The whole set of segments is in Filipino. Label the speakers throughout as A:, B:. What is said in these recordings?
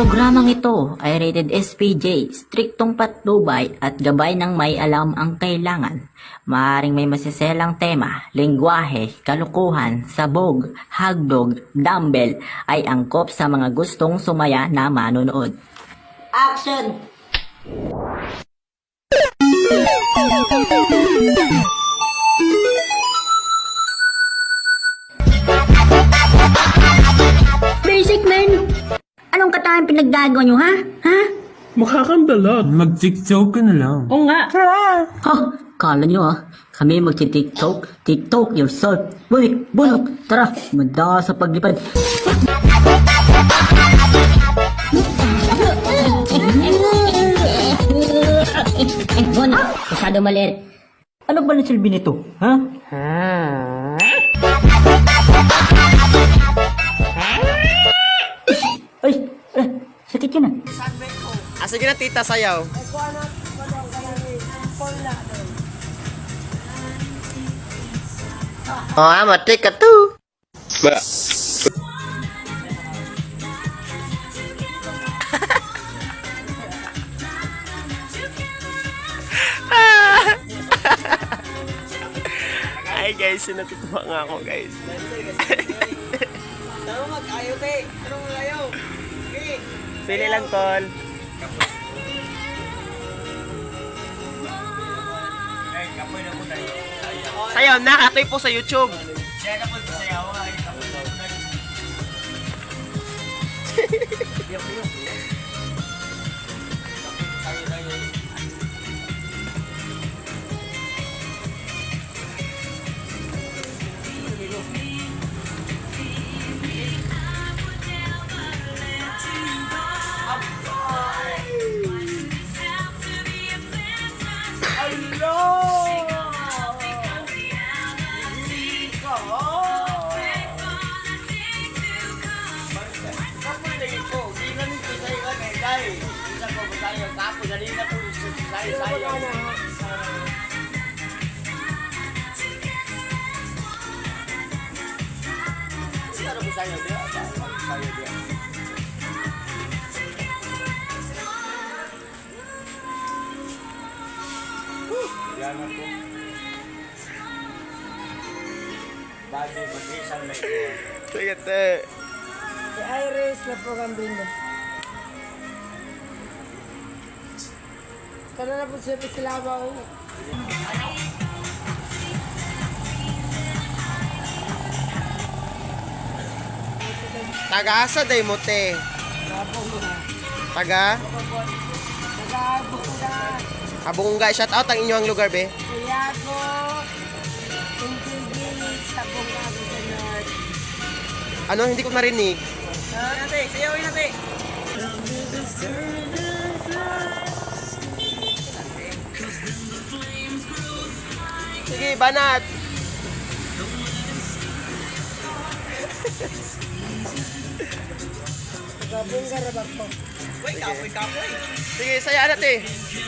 A: Programang ito ay rated SPJ, striktong patnubay at gabay ng may alam ang kailangan. Maaring may masiselang tema, lengguwahe, kalukuhan, sabog, hagdog, dumbbell ay angkop sa mga gustong sumaya na manonood. Action! Basic man! Anong katayang pinaggagawa nyo, ha? Ha?
B: Mukha kang balot. Mag-tiktok ka na lang.
A: Oo nga. Ha? Kala nyo kami magti-tiktok? TikTok yourself. Uy, bulok, tara, manda sa paglipad. Bon, masyado maliit. Ano ba na silbi nito, ha? Ay, sakit yun ah.
C: Sige na tita, sayaw. Oh, matik ka to. Ba. Ay guys, natutuwa nga ako guys.
D: Taro mag-ayaw, te. Taro mag-ayaw. Okay.
C: Pili lang, Tol. Sayaw na, katoy po sa YouTube. Sige, te.
D: Si Iris na po kambing mo. Kano na po siya sila ba?
C: Taga-asa day mo, te. Taga?
D: Nag-aabunga.
C: Abungga, shout out ang inyong lugar, be.
D: Kuya ko. Intigil sa bunga ko sa North.
C: Ano, hindi ko narinig.
D: Nate, sayawin nate.
C: Sige, banat.
D: Nag-aabunga rabak po.
C: Sige, saya na, te.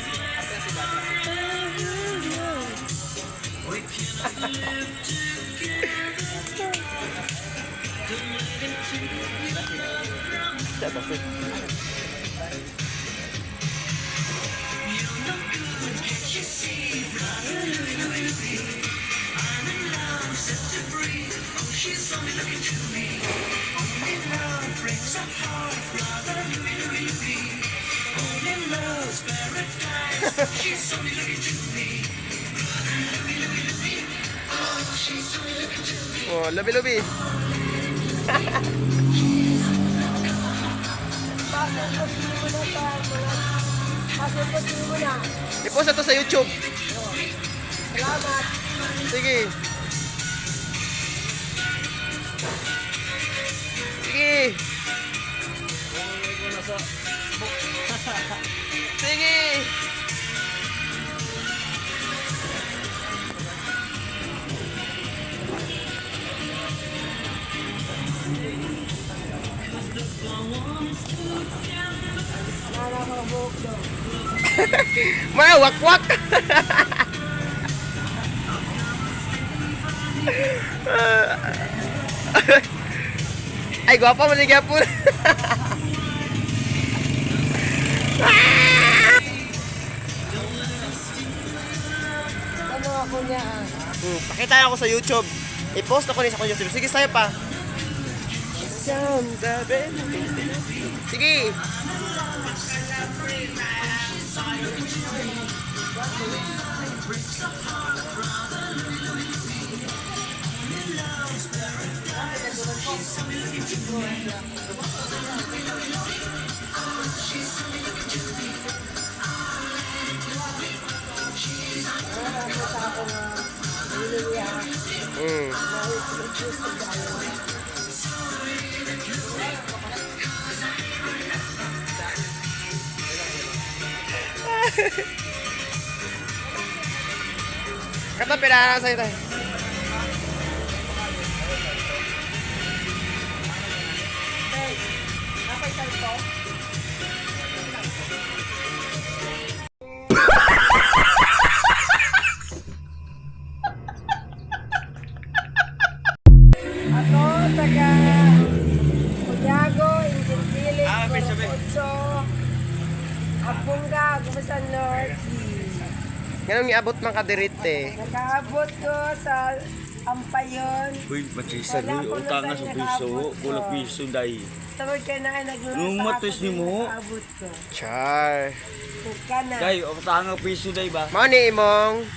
C: Oh, labi-labi.
D: Pasok mo na.
C: I-post na to sa YouTube.
D: Salamat.
C: Sige. Sige. Sige. Mga wakwak. Ay, gwapa mo ni Gapon.
D: Ano ako niya
C: Pakita ako sa YouTube. I-post ako sa YouTube. Sige, sayo pa. Sige. Mm. Kata pera sa'yo tayo.
D: Ako, taga Uyago, Indian Village, Corpotso, Abunga, Gumasan North.
C: Ganun iabot man kadirit eh.
D: Nakaabot ko sa Ampayon.
E: Uy, matisa ni utang nga sa piso, kulang piso dai.
D: Tawag ka na naglula
E: Nung
D: sa
E: matos ni mo?
D: Nakaabot ko.
C: Char.
D: Tuka na.
E: Dai, utang nga piso dai ba?
C: Mao ni imong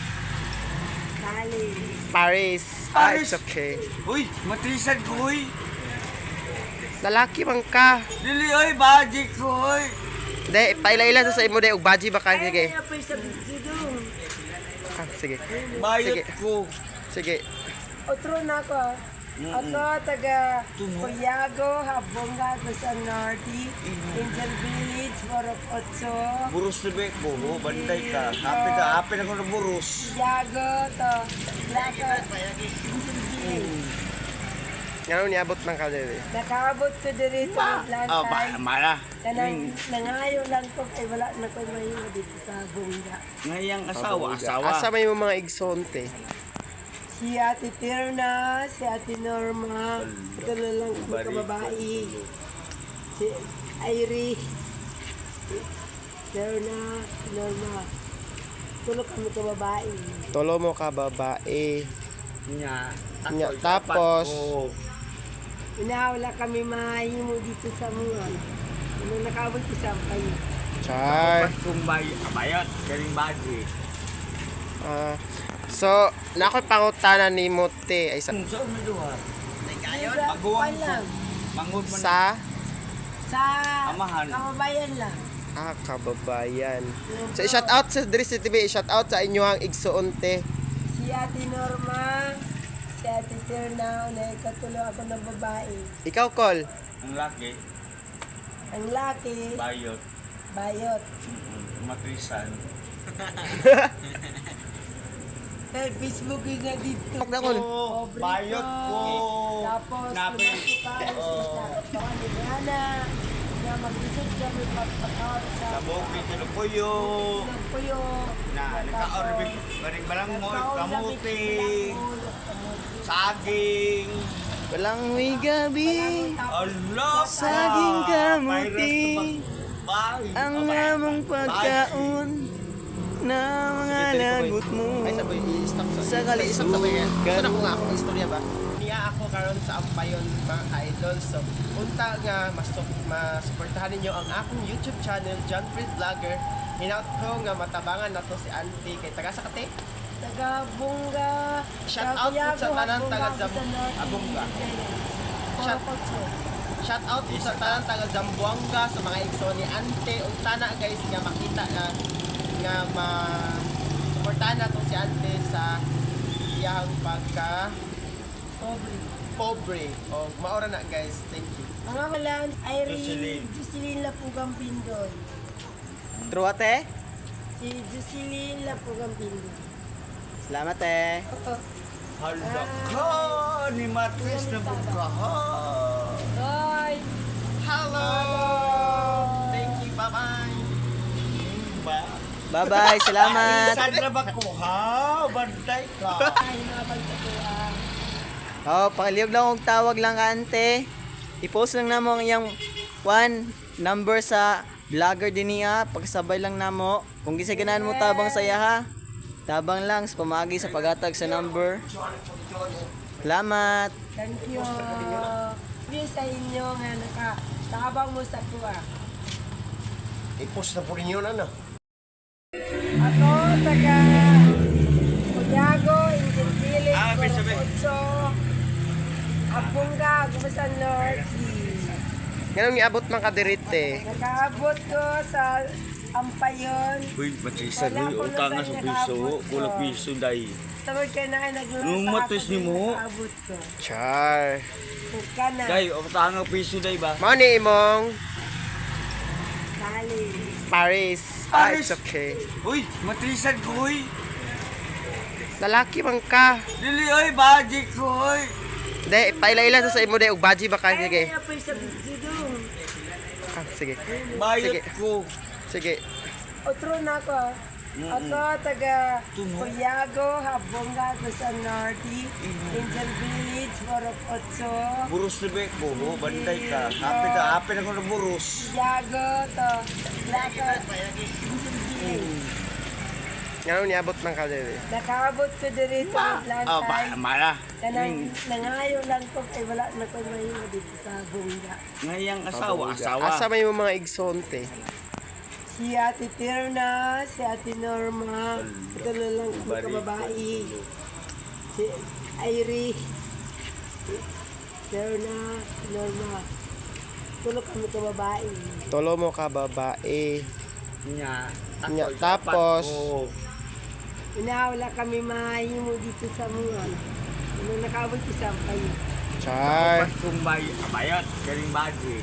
D: Kali.
C: Paris. Ah, it's okay.
E: Uy, matrisan ko uy.
C: Lalaki man ka.
E: Dili oy, budget ko uy.
C: Hindi, paila-ila sa imo de ug baji ba ka? Sige.
D: Ay, pa sa bidong.
C: Ah, sige.
E: Bayad
C: Sige.
E: ko.
C: Sige.
D: Otro na ako. Ako, taga Puyago, Habonga, Gumasan North, Indian Village, Corpotso,
E: Burus na be ko, oh, banday ka. Happy na ko na burus.
D: Yago, to, Laka, Indian Village.
C: Ganun niabot man ka dire.
D: Nakaabot ko dito lang
E: Oh,
D: tayo.
E: mara.
D: Kanang nangayo lang ko kay wala na ko mayo dito sa Bunga.
E: Ngayang asawa.
C: Asa may mga igsonte.
D: Si Ate Tirna, si Ate Norma, ito na lang kami kababae. Si Iris, Tirna, Norma. Tulog kami kababae.
C: Tolo mo ka babae.
E: Nya.
C: Nya, tapos
D: Wala kami mahimo dito sa mga. Ano nakaabot ko sa kayo.
C: char.
E: Kung bayad, galing budget.
C: Ah, so, nakoy pangutana ni Mote ay sa
E: So, miduha.
D: Kuwan lang.
E: Mangod man.
D: Sa
E: Amahan.
D: kababayan lang.
C: kababayan. So, i-shout out sa Dres TV, i-shout out sa inyong igsuonte.
D: Si Ate Norma, si Ate Tirna, na ikatulo ako ng babae.
C: Ikaw, Col.
E: Ang laki,
D: Ang laki,
E: bayot.
D: bayot.
E: Matrisan.
D: Kaya Facebook yung nga dito.
C: Huwag na, Col.
D: Pobre
E: Bayot ko.
D: Tapos,
E: Nabi.
D: sa Liana, na mag-isip kami pagpakaw sa
E: Kabuki, tinupuyo.
D: Pinagpuyo.
E: Na, nagka-orbit. Baring balang mo, kamuti. Saging.
C: Walang may gabi.
E: Allah.
C: Saging kamuti.
E: Bye.
C: Ang among pagkaon na mga lagot mo sa kalisugan. Gusto ko nga akong istorya ba? Niya ako karon sa Ampayon mga ka-idol. So, unta nga masuportahan ninyo ang akong YouTube channel, John Fred Vlogger. Hinaut ko nga matabangan na to si Auntie kay taga Sakate.
D: Taga Bunga.
C: Shout out po sa tanan taga Abunga. Shout Shout out po sa tanan taga Zamboanga sa mga igso ni Ante. Unta na guys nga makita nga ma-suportahan na to si Ante sa iyang pagka pobre. O maora na guys. Thank you.
D: Mga walan, Jocelyn Lapugang Pindoy.
C: True ate.
D: Si Jocelyn Lapugang Pindoy.
C: Salamat eh.
D: Oo.
E: Hala ka ni Matris na bukahan.
D: Bye!
C: Hello. Thank you. Bye-bye.
E: Ba?
C: Bye-bye. Salamat.
E: Saan na ba ko ha? Bantay ka.
D: Ay, nabagtatuan.
F: Oh, pakiliyog lang og tawag lang ka ante. I-post lang namo ang iyang one number sa vlogger din niya, pagsabay lang namo. Kung gisaganan mo tabang saya ha. Tabang lang sa pamagi sa pagatag sa number. Salamat.
D: Thank you. Please sa inyo nga nakatabang mo sa kuha.
C: I-post na po rin yun, ano?
D: Ako, taga Puyago, Indian Village, Corpuzzo, Abunga, Gumasan North.
C: Ganun iabot man kadirite.
D: Nakaabot ko sa Ampayon.
E: Uy, matrisan uy, utang nga sa piso, kulang piso day.
D: Tawag ka na ay naglaro
E: Nung
D: sa
E: matis ni mo.
D: Nakaabot ko.
C: Char.
D: Buka na.
E: Day, utang nga piso day ba?
C: Mao ni imong
D: Kali.
C: Paris.
E: Paris.
C: It's okay.
E: Uy, matrisan ko uy.
C: Lalaki man ka.
E: Dili oy, budget ko oy.
C: Dahil, paila-ila sa imo dahil, ugbaji ba ka? Sige.
D: Ay, apoy sa bigsidong.
C: Ah, sige.
E: Bayot
C: Sige.
E: ko.
C: Sige.
D: Otro na ako. Ako, taga Puyago, Abunga, Gumasan Norte, Indian Village, Corpuzzo.
E: Burus na be ko, banday ka. Hapit ako na burus.
D: Puyago, to. Laka. Indian Village.
C: Ganun iabot man kadirite.
D: Nakaabot ko dito lang
E: Oh, ba,
D: tayo.
E: mara.
D: Kanang nangayo lang ko kay wala na ko may dito sa Bunga.
E: Ngayang asawa.
C: Asa may mga igsonte.
D: Si Ate Tirna, si Ate Norma, ito na lang mga babae. Si Iris, Tirna, Norma. Tulog kami ka babae.
C: Tolo mo ka babae.
E: Nya.
C: Nya, tapos
D: Inawala kami mahimo dito sa mga. Nung nakaabot ko sa kayo.
C: char.
E: Kung bayot, galing budget.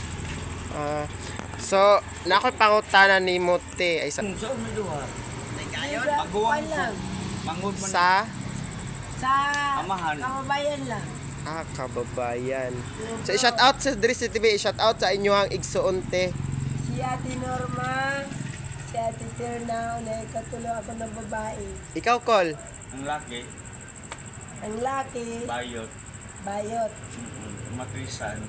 C: So, nakoy pangutana ni Mote ay sa
E: So, may duha.
D: Maguwang lang.
E: Mangod man.
D: Sa
E: Amahan.
D: kababayan lang.
C: kababayan. So, i-shout out sa Dris TV, i-shout out sa inyo ang igsuonte.
D: Si Ate Norma, si Ate Tirna, na katulo ako ng babae.
C: Ikaw, Col.
E: Ang laki,
D: Ang laki,
E: bayot.
D: bayot.
E: Matrisan.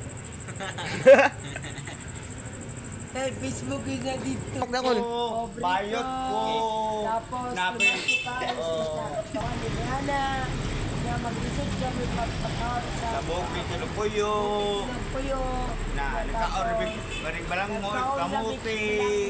D: Kay Facebook yun na dito.
C: Huwag na, Col.
D: Pobre
E: Bayot ko.
D: Tapos,
E: Napin.
D: sa Liliana, na mag-visit kami pagpakaw sa
E: Sabog, pinupuyo.
D: Pinagpuyo.
E: Na, nagka-orbit. Baring balang mo, kamuti.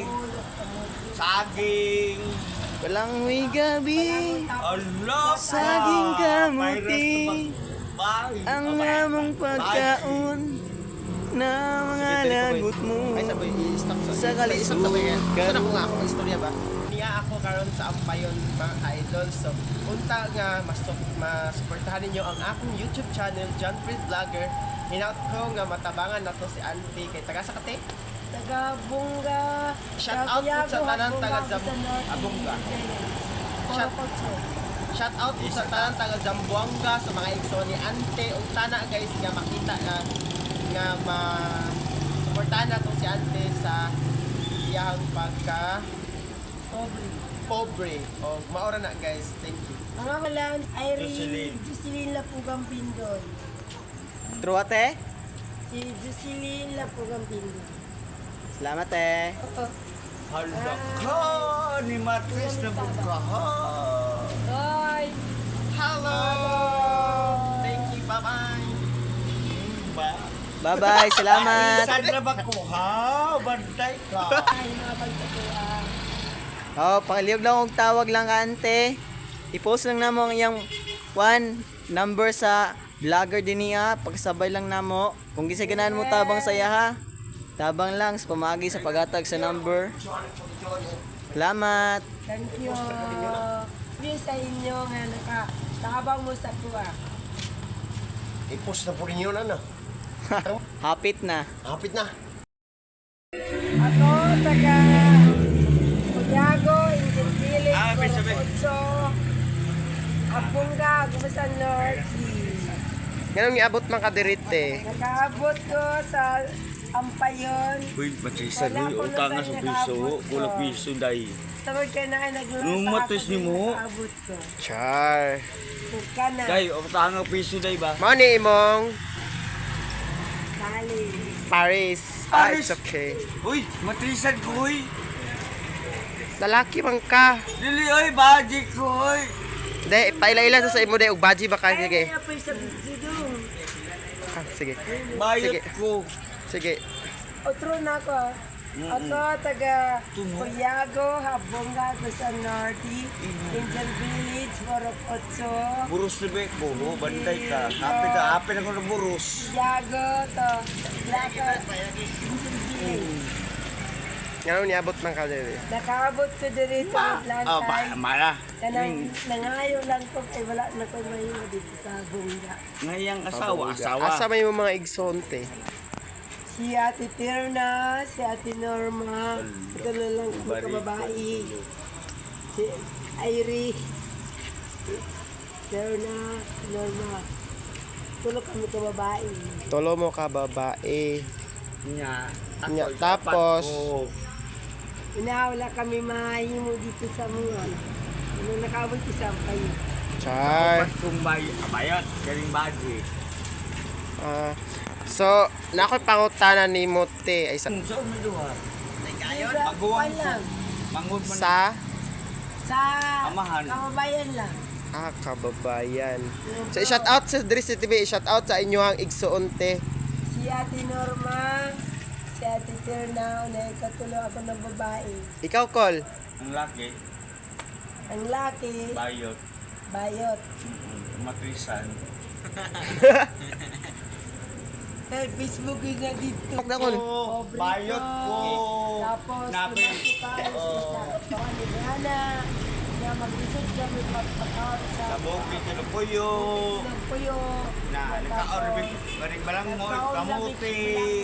E: Saging.
C: Walang may gabi.
E: Allah.
C: Saging kamuti.
E: Bye.
C: Ang among pagkaon na mga lagot mo sa kalisugan.
F: Sana ko nga ako istorya ba?
C: Niya ako karon sa Ampayon mga ka-idol. So, unta nga masuportahan ninyo ang akong YouTube channel, John Fred Vlogger. Hinaut ko nga matabangan na to si Auntie kay taga Sakate.
D: Taga Bunga.
C: Shout out po sa tanan taga Abunga. Shout Shout out po sa tanan taga Zamboanga sa mga igso ni Ante. Ug sana guys nga makita nga ma-suportahan nato si Ante sa iyang pagka pobre. O maora na guys. Thank you.
D: Mga kalan, Jocelyn Lapugang Pindoy.
F: True ate?
D: Si Jocelyn Lapugang Pindoy.
F: Salamat eh.
D: Oo.
E: Hala ka ni Matris na bukahan.
D: Bye!
C: Hello! Thank you. Bye-bye.
F: Bye-bye. Salamat.
E: Saan na ba ko ha? Bantay ka.
D: Ay, mga pagkatuan.
F: Oh, pakiliog lang og tawag lang ka, ante. I-post lang namo ang iyang one number sa vlogger din niya, pagsabay lang namo. Kung gisaganan mo tabang saya ha. Tabang lang sa pamagi sa pagatag sa number. Salamat.
D: Thank you. Please sa inyo nga nakatabang mo sa kuha.
C: I-post na po rin yun, ano?
F: Hapit na.
C: Hapit na.
D: Ako, taga Puyago, Indian Village, Corpuzzo, Abunga, Gumasan Norte.
C: Ganun iabot man kadirite.
D: Nakaabot ko sa Ampayon.
E: Uy, matrisan uy, utang nga sa piso, kulang piso day.
D: Tawag ka na ay naglaro
E: Nung
D: sa
E: matis ni mo.
D: Nakaabot ko.
C: Char.
D: Buka na.
E: Day, utang nga piso day ba?
C: Mao ni imong
D: Kali.
F: Paris.
E: Paris?
F: It's okay.
E: Uy, matrisan ko, uy.
F: Lalaki man ka.
E: Dili, uy, budget ko, uy.
F: Hindi, paila-ila sa imo day og baji ba ka? Sige.
D: Kaya pa sa bidong.
F: Ah, sige.
E: Bayot
F: Sige.
E: ko.
F: Sige.
D: Otro na ako. Ako, taga Puyago, Habonga, sa Norte, Angel Village, Borok Otso,
E: Burus na ba ko, oh, banday ka. Hapit ako na burus.
D: Puyago, to, Laka, Angel Village.
F: Ngano niabot man ka diri?
D: Nakaabot ko dito sa Atlantay.
E: Mara.
D: Nangayo lang ko, ay wala na ko mahiwa dito sa Bunga.
E: Ngayang asawa.
F: Asa may mga igsonte?
D: Si Ate Tirna, si Ate Norma, ito na lang kami kababae. Si Iris, Tirna, Norma. Tulog kami kababae.
F: Tolo mo ka babae.
E: Nya.
F: Nya, tapos
D: Inawala kami mahimo dito sa mga. Ano nakabot ko sa kayo.
F: char.
E: Kung bayot, kaling budget.
F: So, nakoy pangutana ni Mote ay sa
E: Saan may duha?
D: Maguwang lang.
E: Mangod man.
D: Sa
E: Amahan.
D: kababayan lang.
F: kababayan. So, shout out sa Dris TV, shout out sa inyong igsoonte.
D: Si Ate Norma, si Ate Tirna, na ikatulo ako ng babae.
F: Ikaw, Col.
E: Ang laki,
D: Ang laki,
E: bayot.
D: bayot.
E: Matrisan.
D: Dahil Facebook yung nga dito.
F: Huwag na, Col.
D: Pobre
E: Bayot ko.
D: Tapos,
E: Napi.
D: baka ni Brianna, na mag-isip kami magpakaot sa
E: Sabog, pinupuyo.
D: puyo.
E: Na, naka-orbit. Baring balang mo, kamuti.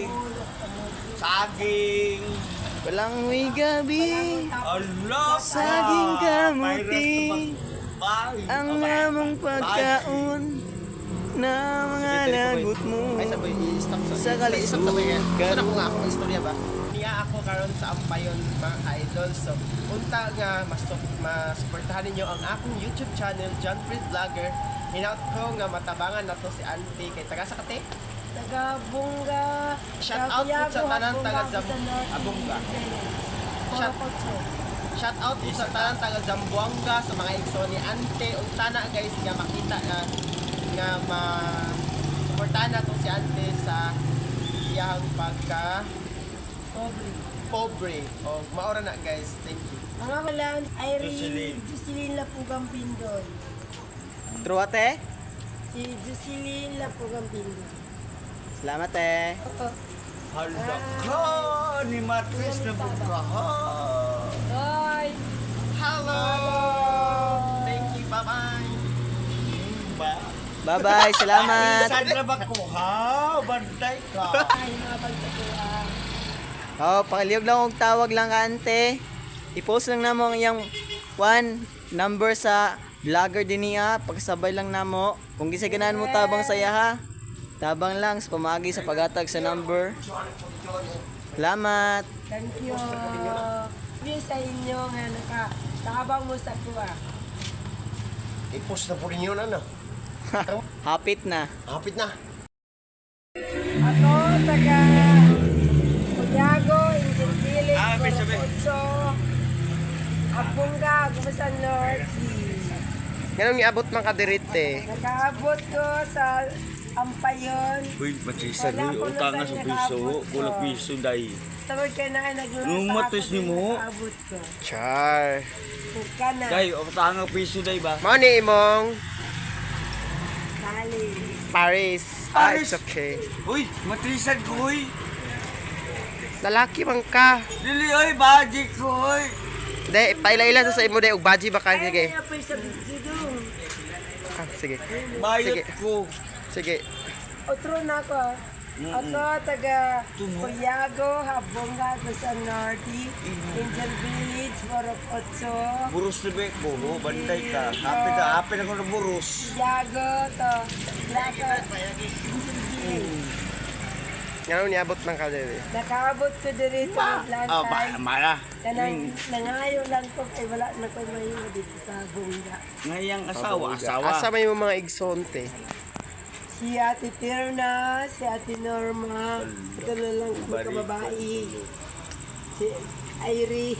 E: Saging.
F: Walang may gabi.
E: Allah.
F: Saging kamuti.
E: Bye.
F: Ang namang pagkaon na mga lagot mo sa kalisukan.
C: Gusto na ko nga akong istorya ba? Niya ako karon sa Ampayon mga ka-idol. So, unta nga masuportahan ninyo ang akong YouTube channel, John Fred Vlogger. Hinaut ko nga matabangan na to si Auntie kay taga Sakate.
D: Taga Bunga.
C: Shout out po sa tanan taga Abunga. Shout Shout out po sa tanan taga Zamboanga sa mga igso ni Ante. Unta na guys nga makita nga ma-suportahan na to si Ante sa iyang pagka pobre. O maora na guys. Thank you.
D: Ang amalan, Irene, Jocelyn Lapugang Pindol.
F: True, ate?
D: Si Jocelyn Lapugang Pindol.
F: Salamat, eh.
D: Oo.
E: Hala ka ni Matris na bukahan.
D: Hoy!
C: Hello! Thank you. Bye-bye.
F: Bye-bye, salamat.
E: Saan na ba ko ha? Banday ka.
D: Ay, mga pagtatuan.
F: Oh, pakiliog lang og tawag lang ka, ante. I-post lang namo ang iyang number sa vlogger din niya. Pagsabay lang namo. Kung gisaganan mo tabang saya ha. Tabang lang sa pamagi sa pagatag sa number. Salamat.
D: Thank you. Yun sa inyo nga nakatabang mo sa kuha.
C: I-post na po rin yun, ano?
F: Hapit na.
C: Hapit na.
D: Ako, taga Puyago, Angel Village, Borocotso, Abunga, Gumasan Norte.
F: Ganun iabot man ka dirite.
D: Nakaabot ko sa Ampayon.
E: Uy, Matrisan, uy, utang na sa piso. Kulang piso, day.
D: Tawag ka na naglulong
E: Nung
D: sa
E: matis ni mo?
D: Nakaabot ko.
F: Char.
D: Buka na.
E: Day, utang na piso, day ba?
F: Mao ni imong
D: Kali.
F: Paris.
E: Paris?
F: It's okay.
E: Uy, Matrisan ko, uy.
F: Lalaki man ka.
E: Dili, uy, budget ko, uy.
F: Hindi, paila-ila sa imo day og baji ba ka? Sige.
D: Kaya pa sa bidong.
F: Ah, sige.
E: Bayot
F: Sige.
E: ko.
F: Sige.
D: Otro na ako. Ako, taga Puyago, Habonga, sa Norte, Angel Village, Borok Otso,
E: Burus na ba ko, oh, banday ka. Hapit ako na burus.
D: Puyago, to, Laka, Angel Village.
F: Ngano niabot man ka diri?
D: Nakaabot ko dito sa Atlantay.
E: Mara.
D: Nangayo lang ko, ay wala na ko mahiwa dito sa Bunga.
E: Ngayang asawa.
F: Asa may mga igsonte?
D: Si Ate Tirna, si Ate Norma, ito na lang kami kababae. Si Iris,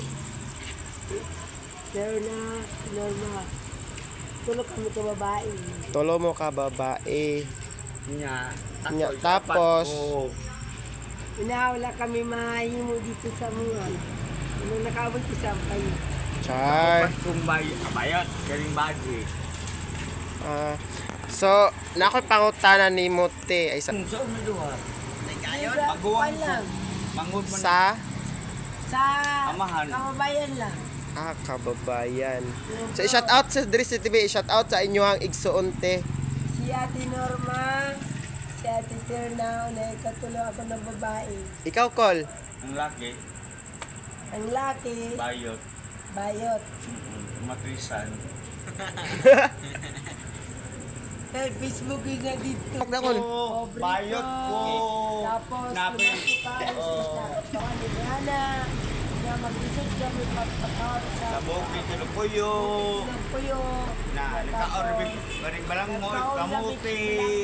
D: Tirna, Norma. Ito lang kami kababae.
C: Tolo mo ka babae.
E: Nya.
C: Nya, tapos,
D: Wala kami mahimo dito sa mga. Ano nakabot isampay.
C: char.
E: Kumbay, abayot, galing bagi.
C: So, nakoy pangutana ni Mote ay sa
E: So, maduha.
D: Paguwan lang.
E: Mangod man.
C: sa
D: Sa
E: Amahan.
D: kababayan lang.
C: kababayan. So, i-shout out sa Dris TV, i-shout out sa inyong igsuonte.
D: Si Ate Norma, si Ate Tirna, na ikatulo ako ng babae.
C: Ikaw, Col.
E: Ang laki,
D: Ang laki,
E: bayot,
D: bayot.
E: matrisan.
D: Kaya Facebook yun na dito.
C: Huwag na, Col.
D: Pobre
E: Bayot ko.
D: Tapos,
E: Nabi.
D: lumaki pa sa Kaniliana. Na mag-isip siya, may pagpapakawin sa
E: Sabog, kinukuyo.
D: Pinagpuyo.
E: Na, nagka-orbit, baring balang mo, kamuti,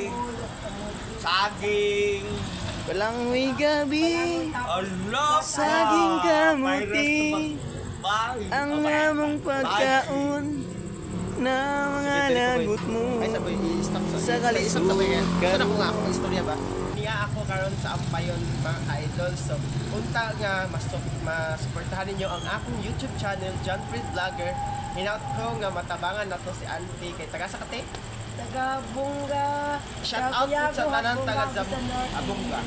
E: saging.
F: Walang may gabi,
E: Allah!
F: Saging kamuti.
E: Bye!
F: ang among pagkaon na mga lagot mo sa kalisugan.
C: Sana ko nga ako ng istorya ba? Niya ako karon sa Ampayon mga ka-idol. So, unta nga masuportahan ninyo ang akong YouTube channel, John Fred Vlogger. Hinaut ko nga matabangan na to si Auntie kay taga Sakate.
D: Taga-bunga.
C: Shout out po sa tanan taga-Abunga.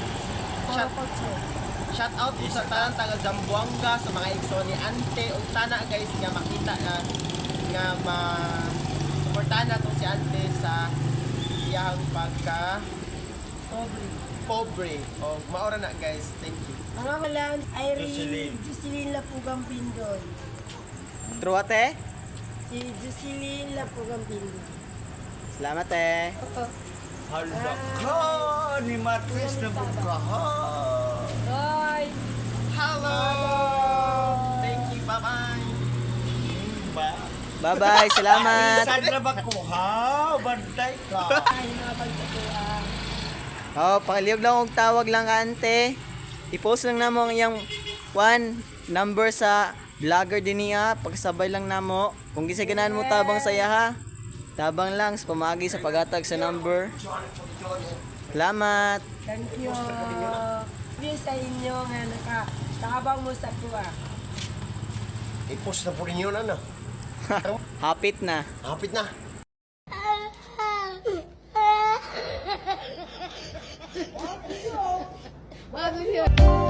C: Shout out po sa tanan taga Zamboanga sa mga igso ni Ante. Unta na guys nga makita na nga suportahan na to si Ante sa iyang pagka pobre. O maora na guys. Thank you.
D: Ang ako lang, Jocelyn Lapugang Pindoy.
F: True ate?
D: Si Jocelyn Lapugang Pindoy.
F: Salamat eh.
E: Hala ka! Ni Matris na bukahan!
D: Bye!
C: Hello! Thank you. Bye-bye.
E: Ba?
F: Bye-bye, salamat.
E: Saan na ba ko ha? Bantay ka!
D: Ay, napagtatuan.
F: Oh, pakiliog lang og tawag lang ka ante. I-post lang namo ang iyang number sa vlogger din niya. Pagsabay lang namo. Kung gisaganan mo tabang saya ha. Tabang lang sa pamagi sa paghatag sa number. Salamat.
D: Thank you. Hindi sa inyo nga nakatabang mo sa kuwa.
C: I-post na po rin yun, ano?
F: Hapit na.
C: Hapit na.
G: Bakit yun?